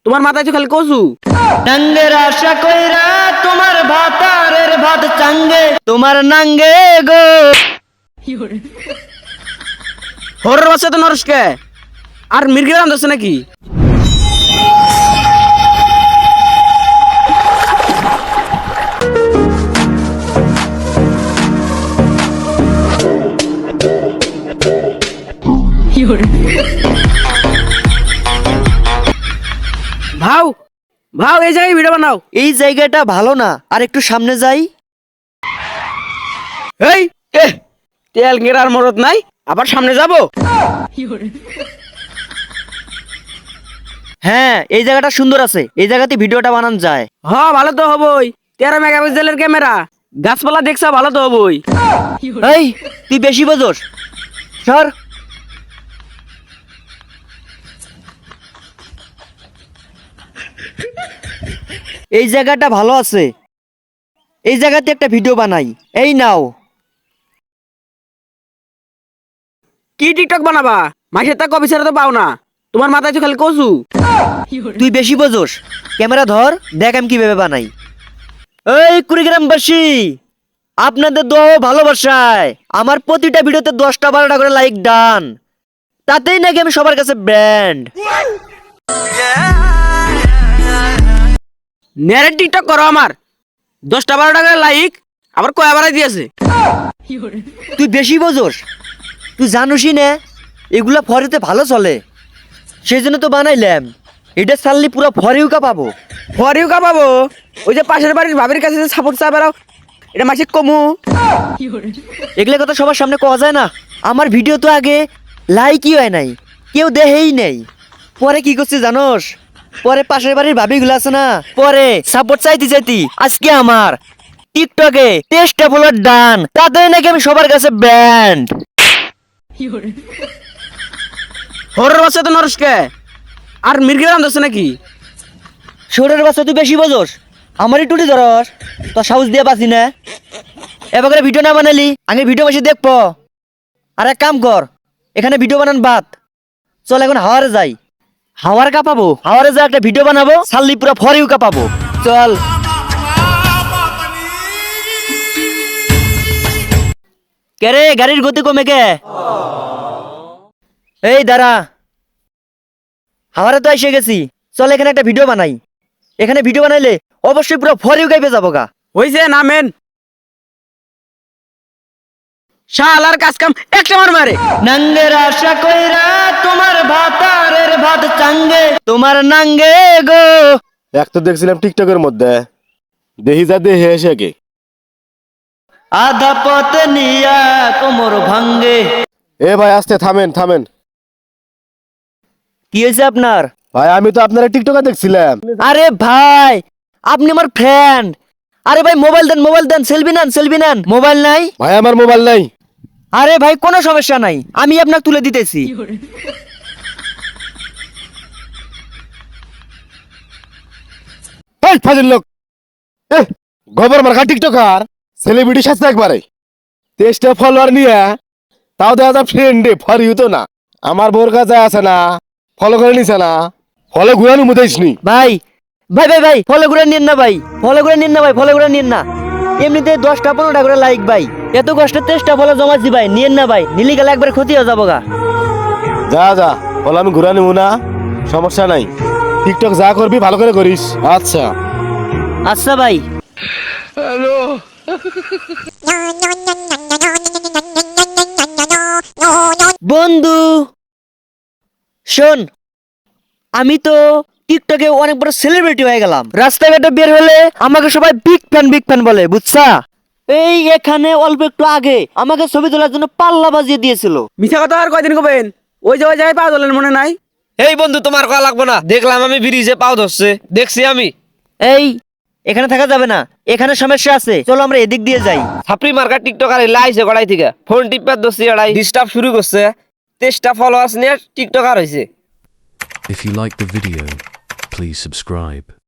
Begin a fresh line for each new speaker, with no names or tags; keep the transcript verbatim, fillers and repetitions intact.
তোমার মাথায় তো খালি কচু।
নাঙ্গের আশা কইরা তোমার ভাতারের ভাত চাঙ্গে তোমার নাঙ্গে গো।
হরের বাচ্চা তো নরসকে আর মির্গের রাম ধরছে নাকি? ভাও ভাও এই জায়গায় ভিডিও বানাও।
এই জায়গাটা ভালো না, আর একটু সামনে যাই।
এই এ তেল গেরার মরদ নাই, আবার সামনে যাব?
হ্যাঁ, এই জায়গাটা সুন্দর আছে, এই জায়গাতে ভিডিওটা বানানো যায়।
হ ভালো তো হবই, তেরো মেগাপিক্সেলের ক্যামেরা, গাছপালা দেখছা ভালো তো হবই।
এই তুই বেশি বোঝস, সর। এই জায়গাটা ভালো আছে, এই জায়গাতে একটা ভিডিও বানাই। এই নাও।
কি টিকটক বানাবা? মাসে তা কবি ছাড়া তো পাও না, তোমার মাথায় তো খালি কচু।
তুই বেশি বোঝস, ক্যামেরা ধর, দেখ আমি কিভাবে বানাই। এই কুড়িগ্রামবাসী, আপনাদের দোয়া ও ভালোবাসায় আমার প্রতিটা ভিডিওতে দশটা বারোটা করে লাইক ডান, তাতেই নাকি আমি সবার কাছে ব্র্যান্ড।
নেড়ে টিকটক করো আমার, দশটা বারো টাকা লাইক আবার কয়া বাড়াই দিয়েছে।
তুই বেশি বোঝস, তুই জানোসই না এগুলা ফরেতে ভালো চলে, সেই জন্য তো বানাইলাম। এটা চাললি পুরো ফরিউকা পাবো।
ফরিউকা পাবো? ওই যে পাশের বাড়ির ভাবির কাছে যে সাপোর্ট চা বেড়াও, এটা মাসে কমু।
এগুলো কথা সবার সামনে কওয়া যায় না। আমার ভিডিও তো আগে লাইকই হয় নাই, কেউ দেহেই নেই। পরে কি করছি জানোস? পরে পাশের বাড়ির ভাবিগুলো আছে না, পরে সাপোর্ট চাইতে চাইতি আজকে আমার টিকটকে টেস্ট ফলোয়ার ডান, তাদের নাকি আমি সবার কাছে ব্যান্ড।
হরের বাচ্চা তো নরসকে আর মির্গের রাম ধরছে নাকি?
শরীরের বাচ্চা তুই বেশি বোঝস, আমারই টুটি ধরস, তোর সাহস দিয়ে পাচ্ছি না। এবার ভিডিও না বানালি আগে ভিডিও বসে দেখবো। আর এক কাম কর, এখানে ভিডিও বানান বাদ, চল এখন হাওয়ারে যাই। হাওয়ার কাঁপাবো, হাওয়ারে যা একটা ভিডিও বানাবো, সাল্লি পুরো ফরিউ কাঁপাবো। চল। কে রে, গাড়ির গতি কমে কে? এই দাঁড়া, হাওয়ারে তো এসে গেছি, চল এখানে একটা ভিডিও বানাই। এখানে ভিডিও বানাইলে অবশ্যই পুরো ফরিউ গাইবে যাবো গা।
হইছে নামেন, শালার কাজ কাম একটা মার মারে।
নাঙ্গের আশা কইরা তোমার ভাতারের ভাত চাঙ্গে তোমার নাঙ্গে গো।
এক তো দেখছিলাম টিকটকের মধ্যে, দেহি যা দেহে এসে কে
আধা পথ নিয়া কোমর ভাঙ্গে।
এ ভাই আস্তে থামেন থামেন।
কি হয়েছে আপনার?
ভাই আমি তো আপনারা টিকটকে দেখছিলাম।
আরে ভাই, আপনি আমার ফ্রেন্ড। আরে ভাই মোবাইল দেন, মোবাইল দেন, সেলফি নেন, সেলফি নেন। মোবাইল নাই?
ভাই আমার মোবাইল নাই।
আরে ভাই কোনো সমস্যা নাই, আমি আপনাকে তুলে দিতেছি।
এই ফাজিল লোক, এ গোবর মার্কা টিকটকার সেলিব্রিটি সাথে একবারে তেইশটা ফলোয়ার নিয়ে, তাও দেখা যায় ফ্রেন্ডে ফর ইউ তো না। আমার বোর কাছে আছে না, ফলো করে নিছে না, ফলো ঘুরানো মুদাইসনি।
ভাই ভাই ভাই ভাই ফলো করে নিন না ভাই, ফলো করে নিন না ভাই, ফলো করে নিন না। এমনিতে দশটা পনেরোটা করে লাইক ভাই, এত কষ্ট তেষ্টা ফলো জমাচ্ছি ভাই, নিন না ভাই, নিলি গেলে একবার ক্ষতি হয়ে যাবো গা।
যা যা ফলো আমি ঘুরা নিব না, সমস্যা নাই। টিকটক যা করবি ভালো করে করিস। আচ্ছা
আচ্ছা ভাই। বন্ধু শোন, আমি তো টিকটকে অনেক বড় সেলিব্রিটি হয়ে গেলাম। রাস্তাঘাটে বের হলে আমাকে সবাই বিগ ফ্যান বিগ ফ্যান বলে, বুঝছা? এই এখানে অল্প একটু আগে আমাকে ছবি তোলার জন্য পাল্লা বাজিয়ে দিয়েছিল।
মিছা কথা আর কয়দিন কবেন? ওই যে ওই জায়গায় পা ধরলেন মনে নাই?
এই বন্ধু তোমার কয়া লাগবো না, দেখলাম আমি ব্রিজে পাও ধরছে, দেখছি আমি।
এই এখানে থাকা যাবে না, এখানে সমস্যা আছে, চলো আমরা এদিক দিয়ে যাই।
ছাপড়ি মার্কা টিকটকার লাইছে গড়াই থেকে ফোন টিপার দোষী এড়াই ডিস্টার্ব শুরু করছে, তেইশটা ফলোয়ার্স নিয়ে টিকটকার হয়েছে।
If you like the video, please subscribe.